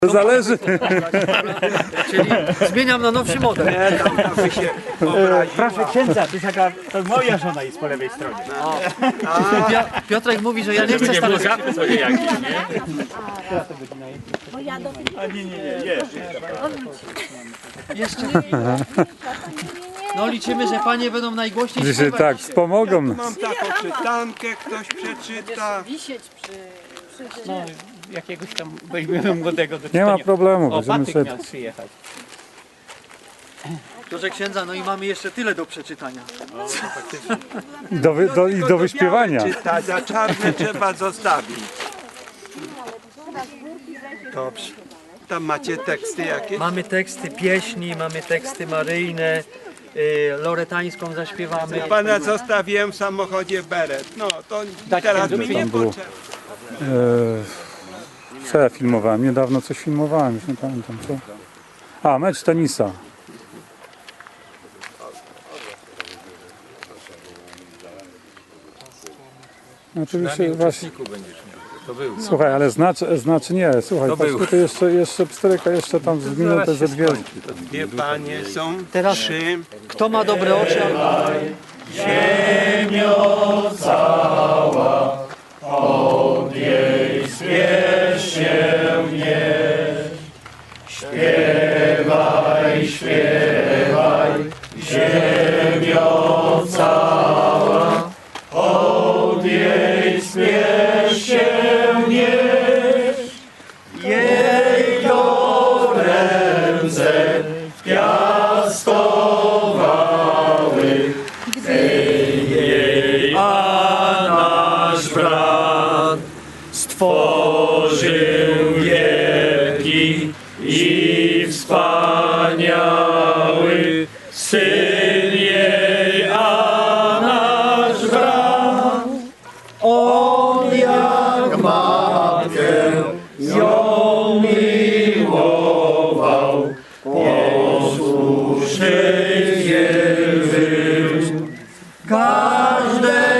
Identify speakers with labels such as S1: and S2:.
S1: To zależy.
S2: Czyli zmieniam na nowszy model.
S3: Nie, tam by się obraziła.
S4: Proszę księdza, to jest jaka, to moja żona jest po lewej stronie.
S2: Piotrek mówi, że ja nie chcę stanąć.
S5: Bo ja do tych
S4: A nie,
S2: Jeszcze. No liczymy, że panie będą najgłośniej
S1: Dzisiaj
S2: śpiewać.
S1: tak, wspomogą nas.
S3: Mam taką czytankę, ktoś przeczyta.
S5: wisieć przy
S4: no, jakiegoś tam weźmiemy młodego do
S1: Nie ma
S4: czytania.
S1: problemu,
S4: O,
S1: będziemy
S4: Patyk
S1: sobie...
S4: miał przyjechać.
S2: Proszę księdza, no i mamy jeszcze tyle do przeczytania.
S1: I do wyśpiewania.
S3: Czytać, za czarne trzeba zostawić. Dobrze. Tam macie teksty jakieś?
S2: Mamy teksty pieśni, mamy teksty maryjne, loretańską zaśpiewamy.
S3: Pana zostawiłem w samochodzie beret. No to teraz mi nie
S1: było?
S3: potrzeba.
S1: Co ja filmowałem? Niedawno coś filmowałem, już nie pamiętam co. A, mecz tenisa. Oczywiście właśnie. Słuchaj, ale znaczy nie, słuchaj, patrz, tutaj jeszcze pstryka, jeszcze tam z minutę, ze dwie.
S3: Dwie panie są,
S2: Teraz-
S3: trzy.
S2: Kto ma dobre oczy?
S6: Stworzył wielki i wspaniały Syn jej, a nasz brat. On jak matkę ją miłował, posłuszny jej był. Każde